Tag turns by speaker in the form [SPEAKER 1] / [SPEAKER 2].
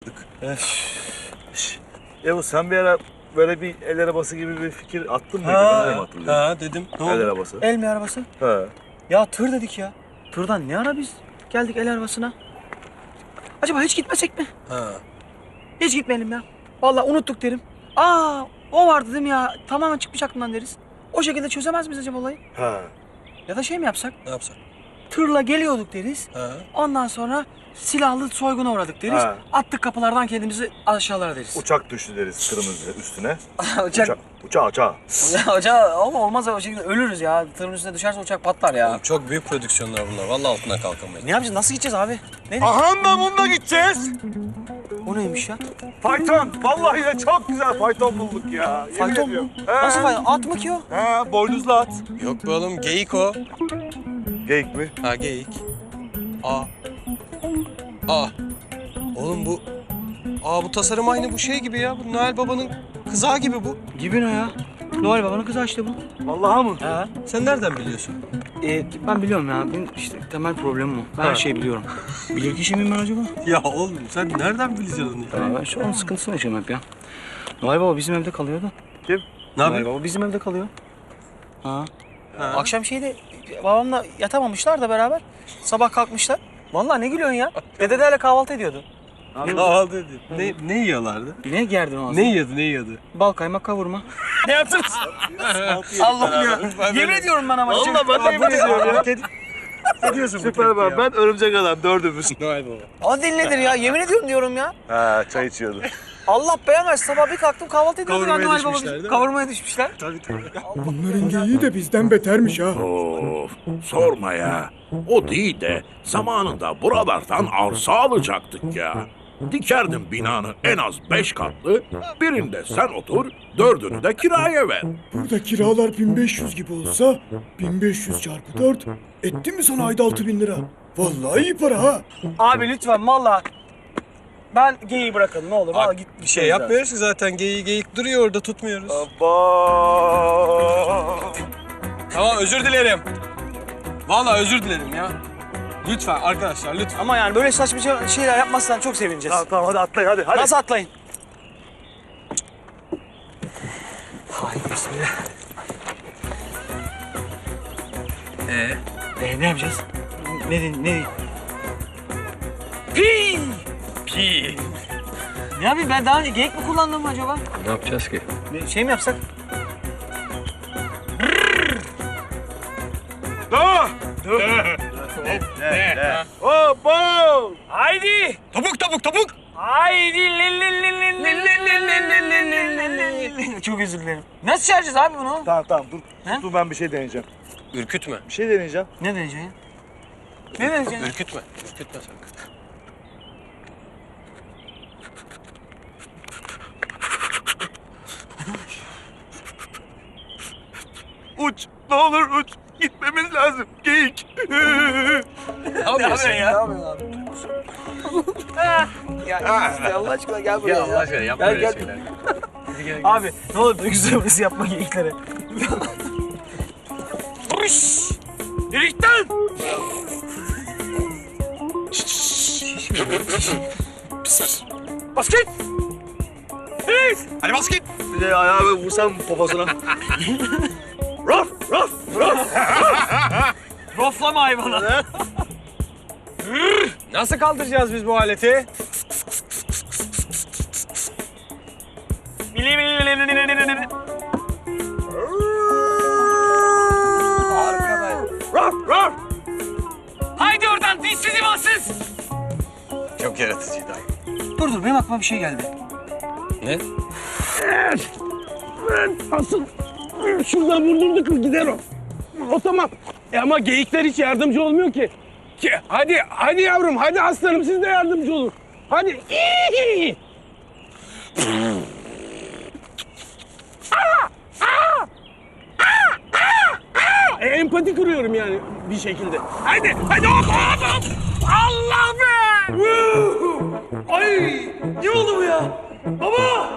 [SPEAKER 1] Yavuz sen bir ara böyle bir el arabası gibi bir fikir attın mıydı? Ben de mi hatırlıyorum?
[SPEAKER 2] Ha dedim. Ne
[SPEAKER 1] El
[SPEAKER 2] oldu?
[SPEAKER 1] arabası.
[SPEAKER 3] El mi arabası?
[SPEAKER 1] He.
[SPEAKER 3] Ya tır dedik ya. Tırdan ne ara biz geldik el arabasına? Acaba hiç gitmesek mi?
[SPEAKER 2] Ha.
[SPEAKER 3] Hiç gitmeyelim ya. Vallahi unuttuk derim. Aa, o vardı değil mi ya? Tamamen çıkmış aklımdan deriz. O şekilde çözemez miyiz acaba olayı?
[SPEAKER 1] Ha.
[SPEAKER 3] Ya da şey mi yapsak?
[SPEAKER 2] Ne yapsak?
[SPEAKER 3] Tırla geliyorduk deriz.
[SPEAKER 2] Ha.
[SPEAKER 3] Ondan sonra silahlı soyguna uğradık deriz.
[SPEAKER 1] Ha.
[SPEAKER 3] Attık kapılardan kendimizi aşağılara deriz.
[SPEAKER 1] Uçak düştü deriz kırmızı üstüne.
[SPEAKER 3] Uçak.
[SPEAKER 1] Uçağı.
[SPEAKER 3] Hoca ama olmaz o şekilde ölürüz ya. Tırın üstüne düşerse uçak patlar ya.
[SPEAKER 2] Oğlum çok büyük prodüksiyonlar bunlar. Vallahi altından kalkamayız.
[SPEAKER 3] Ne yapacağız? Nasıl gideceğiz abi? Ne?
[SPEAKER 1] Aha da bununla gideceğiz.
[SPEAKER 3] O neymiş ya?
[SPEAKER 1] Fayton. Vallahi de çok güzel fayton bulduk ya. Yemin
[SPEAKER 3] Fayton
[SPEAKER 1] ediyorum.
[SPEAKER 3] mu?
[SPEAKER 1] He.
[SPEAKER 3] Nasıl fayton? At mı ki o?
[SPEAKER 1] He, boynuzlu at.
[SPEAKER 2] Yok be oğlum geyik o.
[SPEAKER 1] Geyik mi?
[SPEAKER 2] Ha geyik. Aa. Aa. Oğlum bu... bu tasarım aynı bu şey gibi ya. Bu Noel Baba'nın kızağı gibi bu.
[SPEAKER 3] Gibi ne ya? Noel Baba'nın kızı işte bu.
[SPEAKER 1] Vallahi mı?
[SPEAKER 3] Ha.
[SPEAKER 2] Sen nereden biliyorsun?
[SPEAKER 3] Ben biliyorum ya. Benim işte temel problemim o. Ben her şeyi biliyorum. Bilir kişi miyim ben acaba?
[SPEAKER 2] Ya oğlum sen nereden bileceksin onu ya?
[SPEAKER 3] Ya ben şu an sıkıntısını yaşıyorum hep ya. Noel Baba bizim evde kalıyor da.
[SPEAKER 1] Kim?
[SPEAKER 2] Ne
[SPEAKER 3] Noel
[SPEAKER 2] yapayım?
[SPEAKER 3] Baba bizim evde kalıyor. Ha.
[SPEAKER 2] Ha.
[SPEAKER 3] Akşam şeyde babamla yatamamışlar da beraber. Sabah kalkmışlar. Vallahi ne gülüyorsun ya? Dedelerle kahvaltı ediyordu.
[SPEAKER 2] Kahvaltı dedi. Ne yiyorlardı?
[SPEAKER 3] Ne gerdin o
[SPEAKER 2] Ne yiyordu?
[SPEAKER 3] Bal kaymak kavurma. Ne yaptınız? Allah'ım ya. Yemin ediyorum ben ama.
[SPEAKER 1] Vallahi ben de yemin ediyorum ya.
[SPEAKER 2] Ne diyorsun?
[SPEAKER 1] Süper ben örümcek adam dördümüz.
[SPEAKER 2] Noel Baba.
[SPEAKER 3] O dil nedir ya? Yemin ediyorum diyorum ya.
[SPEAKER 1] Ha, çay içiyordu.
[SPEAKER 3] Allah beğenmez. Sabah bir kalktım kahvaltı ediyordu.
[SPEAKER 2] Kavurmaya
[SPEAKER 3] Noel Baba
[SPEAKER 2] düşmüşler,
[SPEAKER 3] bizim.
[SPEAKER 2] değil mi?
[SPEAKER 3] Kavurmaya düşmüşler.
[SPEAKER 2] Tabii.
[SPEAKER 4] Bunların geyiği de bizden betermiş ha.
[SPEAKER 5] Of, sorma ya. O değil de zamanında buralardan arsa alacaktık ya. Dikerdim binanı en az 5 katlı, birinde sen otur, 4'ünü de kiraya ver.
[SPEAKER 4] Burada kiralar 1500 gibi olsa 1500 çarpı 4 etti mi sana ayda 6000 lira? Vallahi iyi para ha.
[SPEAKER 3] Abi lütfen valla. Ben geyiği bırakalım ne olur. Valla git.
[SPEAKER 2] Bir şey yapmıyoruz ki zaten. Geyik duruyor orada tutmuyoruz.
[SPEAKER 1] Abba.
[SPEAKER 2] Tamam özür dilerim. Vallahi özür dilerim ya. Lütfen arkadaşlar lütfen.
[SPEAKER 3] Ama yani böyle saçma şeyler yapmazsan çok sevineceğiz.
[SPEAKER 1] Tamam hadi atlayın hadi.
[SPEAKER 3] Nasıl atlayın? Hay bismillah. Ne yapacağız? Ne? Pi!
[SPEAKER 2] Pi.
[SPEAKER 3] Ne yapayım ben daha önce geyik mi kullandım acaba?
[SPEAKER 2] Ne yapacağız ki?
[SPEAKER 3] Şey mi yapsak?
[SPEAKER 1] Hoppa.
[SPEAKER 3] Haydi!
[SPEAKER 2] Topuk.
[SPEAKER 3] Haydi! Çok özür dilerim. Nasıl çağıracağız abi bunu?
[SPEAKER 1] Tamam dur.
[SPEAKER 3] He?
[SPEAKER 1] Dur ben bir şey deneyeceğim.
[SPEAKER 2] Ürkütme.
[SPEAKER 1] Bir şey deneyeceğim.
[SPEAKER 3] Ne deneyeceksin? Ne deneyeceksin?
[SPEAKER 2] Ürkütme sakın.
[SPEAKER 1] Uç. Ne olur uç. Gitmemiz lazım. Geyik.
[SPEAKER 2] Ne yapıyorsun
[SPEAKER 3] ya? Ne yapıyorsun abi? Ya Allah aşkına gel buraya.
[SPEAKER 2] Ya Allah aşkına yapma
[SPEAKER 3] Gel,
[SPEAKER 2] öyle
[SPEAKER 3] gel.
[SPEAKER 2] şeyler. Hadi gel.
[SPEAKER 3] Abi ne olur duygusal öfkesi yapma geyiklere. Yürüyükten! Bas git!
[SPEAKER 2] Hadi bas git.
[SPEAKER 1] Bir de ayağımı vursam poposuna. Raf.
[SPEAKER 3] Roflama hayvanı.
[SPEAKER 2] Nasıl kaldıracağız biz bu aleti?
[SPEAKER 1] Raf.
[SPEAKER 3] Haydi oradan dinsiz imansız!
[SPEAKER 2] Çok yaratıcıydı.
[SPEAKER 3] Dur benim aklıma bir şey geldi.
[SPEAKER 2] Ne?
[SPEAKER 6] Şuradan vurdurduk gider o. O tamam. Ama geyikler hiç yardımcı olmuyor ki. Hadi yavrum, hadi aslanım siz de yardımcı olun. Hadi. Empati kuruyorum yani bir şekilde. Hadi hop. Allah be! Ay! Ne oldu bu ya? Baba!